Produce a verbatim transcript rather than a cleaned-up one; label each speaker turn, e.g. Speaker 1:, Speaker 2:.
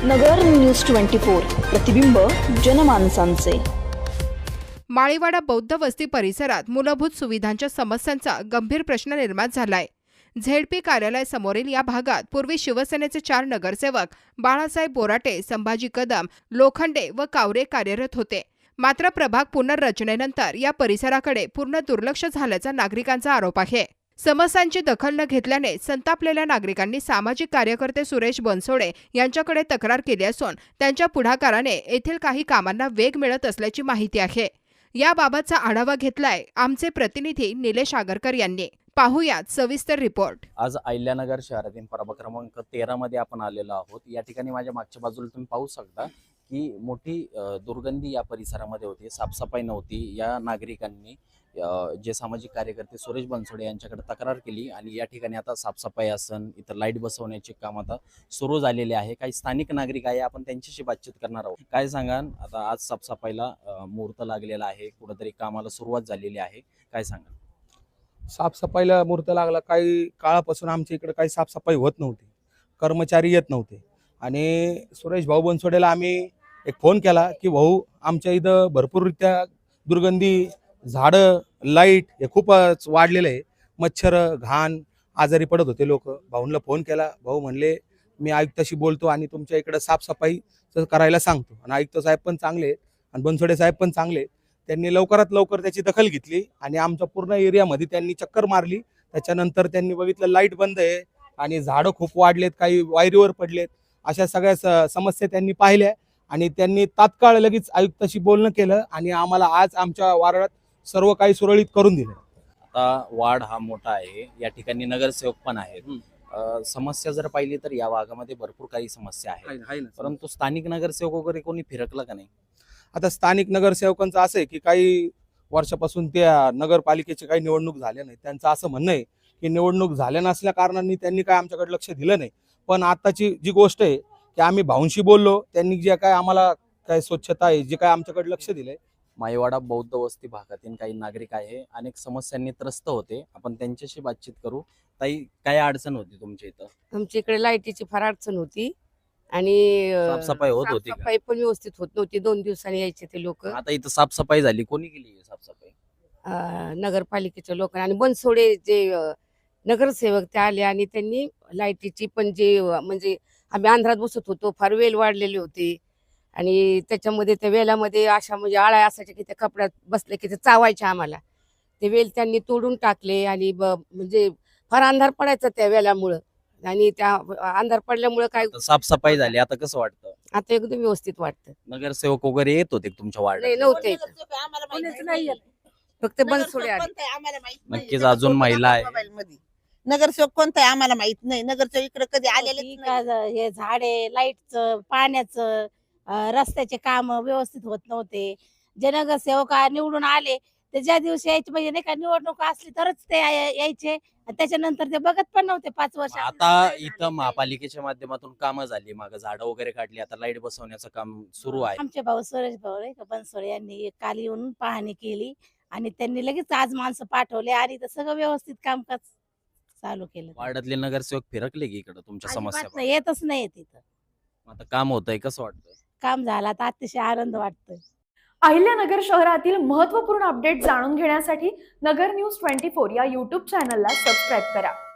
Speaker 1: नगर news twenty four, प्रतिबिंब जनमानसांचे।
Speaker 2: माळीवाडा बौद्ध वस्ती परिसरात मूलभूत सुविधांच्या समस्यांचा गंभीर प्रश्न निर्माण झालाय। झेडपी कार्यालय समोरील या भागात पूर्वी शिवसेनेचे चार नगरसेवक बाळासाहेब बोराटे, संभाजी कदम, लोखंडे व कावरे कार्यरत होते। मात्र प्रभाग पुनर्रचनेनंतर या परिसराकडे पूर्ण दुर्लक्ष झाल्याचा नागरिकांचा आरोप आहे। समस्यांची दखल न घेतल्याने संतापलेल्या नागरिकांनी सामाजिक कार्यकर्ते सुरेश बनसोडे यांच्याकडे तक्रार केली असून त्यांच्या पुढाकाराने येथील काही कामांना वेग मिळत असल्याची माहिती आहे। याबाबतचा आढावा घेतलाय आमचे प्रतिनिधी निलेश आगरकर यांनी। पाहुयात सविस्तर रिपोर्ट।
Speaker 3: आज अहिल्यानगर शहरातील प्रभाग क्रमांक तेरा मध्ये आपण आलेलो आहोत। या ठिकाणी माझ्या मागच्या बाजूला तुम्ही पाहू शकता की मोठी दुर्गंधी या परिसरामध्ये होती, साफसफाई नव्हती। या नागरिकांनी जे सामाजिक कार्यकर्ते सुरेश बनसोडे यांच्याकडे तक्रार केली आणि या ठिकाणी आता साफसफाई असन, इतर लाईट बसवण्याचे काम आता सुरू झालेले आहे। काही स्थानिक नागरिक आहे, आपण त्यांच्याशी बातचीत करणार आहोत। काय सांगाल, आता आज साफसफाईला मुहूर्त लागलेला आहे, कुठेतरी कामाला सुरुवात झालेली आहे, काय सांगाल?
Speaker 4: साफसफाईला मुहूर्त लागला। काही काळापासून आमच्या इकडे काही साफसफाई होत नव्हती, कर्मचारी येत नव्हते आणि सुरेश भाऊ बनसोडेला आम्ही एक फोन केला की भाऊ आमच्या इथं भरपूररित्या दुर्गंधी, झाडं, लाईट हे खूपच वाढलेलं आहे, मच्छर, घाण, आजारी पडत होते लोक। भाऊंना फोन केला, भाऊ म्हणले मी आयुक्ताशी बोलतो आणि तुमच्या इकडे साफसफाई करायला सांगतो। आणि आयुक्त साहेब पण चांगले आहेत आणि बनसोडे साहेब पण चांगले आहेत, त्यांनी लवकरात लवकर त्याची दखल घेतली आणि आमच्या पूर्ण एरियामध्ये त्यांनी चक्कर मारली। त्याच्यानंतर त्यांनी बघितलं लाईट बंद आहे आणि झाडं खूप वाढलेत, काही वायरीवर पडलेत, अशा सगळ्या समस्या त्यांनी पाहिल्या आणि त्यांनी तात्काळ लगेच आयुक्ताशी बोलणं केलं आणि आम्हाला आज आमच्या वार्डात सर्व काही सुरळीत करून दिलं।
Speaker 3: आता वार्ड हा मोठा आहे, या ठिकाणी नगरसेवक पण आहेत। समस्या जर पाहिली तर या भागामध्ये भरपूर काही समस्या आहेत, परंतु स्थानिक नगरसेवक वगैरे कोणी फिरकलं का नाही?
Speaker 4: आता स्थानिक नगरसेवकांचं असं आहे की काही वर्षापासून त्या नगरपालिकेची काही निवडणूक झाल्या नाही, त्यांचं असं म्हणणं आहे की निवडणूक झाल्या नसल्या कारणांनी त्यांनी काय आमच्याकडे लक्ष दिलं नाही। पण आताची जी गोष्ट आहे की आम्ही भाऊंशी बोललो, त्यांनी जे काय आम्हाला काय स्वच्छता आहे, जे काय आमच्याकडे लक्ष दिलंय।
Speaker 3: माळीवाडा बौद्ध वस्ती भागातील काही नागरिक आहे, अनेक समस्यांनी त्रस्त होते, आपण त्यांच्याशी बातचीत करू। ताई, काय अडचण होती तुमच्या इथं?
Speaker 5: आमच्या इकडे लाईटीची फार अडचण होती आणि
Speaker 3: साफसफाई होत होती का?
Speaker 5: साफसफाई पण व्यवस्थित होत नव्हती, दोन दिवसांनी यायचे ते लोक।
Speaker 3: आता इथं साफसफाई झाली, कोणी केली साफसफाई?
Speaker 5: नगरपालिकेच्या लोकांनी आणि बनसोडे जे अ, नगरसेवक ते आले आणि त्यांनी लाईटीची पण जे अ, म्हणजे आम्ही अंधारात बसत होतो, फार वेल वाढलेले होते आणि त्याच्यामध्ये त्या वेलामध्ये अशा म्हणजे आळ्या असायच्या की त्या कपड्यात बसले की ते चावायच्या आम्हाला। ते वेल त्यांनी तोडून टाकले आणि म्हणजे फार अंधार पडायचा त्या वेलामुळं आणि त्या अंधार पडल्यामुळे काय
Speaker 3: साफसफाई झाली, आता कसं वाटतं?
Speaker 5: आता एकदम व्यवस्थित वाटतं।
Speaker 3: नगरसेवक वगैरे येत होते तुमच्या वार्डात?
Speaker 5: नाही, नव्हते, फक्त बनसोडे आले।
Speaker 3: नक्कीच अजून महिला आहे।
Speaker 6: नगरसेवक कोणता आहे आम्हाला माहित नाही, नगरसेवक इकडे कधी आलेले नाही।
Speaker 7: हे झाडे, लाईटचं, पाण्याचं, रस्त्याचे काम व्यवस्थित होत नव्हते। जे नगरसेवक निवडून आले ते ज्या दिवशी यायचे म्हणजे नाही का निवडणूक असली तरच ते यायचे, त्याच्यानंतर ते बघत पण नव्हते पाच वर्ष।
Speaker 3: आता इथं महापालिकेच्या माध्यमातून कामं झाली, मागे झाडं वगैरे काढली, आता लाईट बसवण्याचं काम सुरू आहे।
Speaker 7: आमचे भाऊ सुरेश भाऊ नाही का बनसोडे यांनी काल येऊन पाहणी केली आणि त्यांनी लगेच आज माणसं पाठवले आणि सगळं व्यवस्थित कामकाज चालू केलं।
Speaker 3: वार्डातले नगरसेवक फिरकले की इकडे तुमच्या समस्या?
Speaker 7: येतच नाही तिथं।
Speaker 3: आता काम होतंय, कसं वाटतं?
Speaker 7: काम झालं तर अतिशय आनंद वाटतोय।
Speaker 8: अहिल्यानगर शहरातील महत्त्वपूर्ण अपडेट जाणून घेण्यासाठी नगर न्यूज ट्वेंटी फोर या यूट्यूब चॅनलला सबस्क्राईब करा।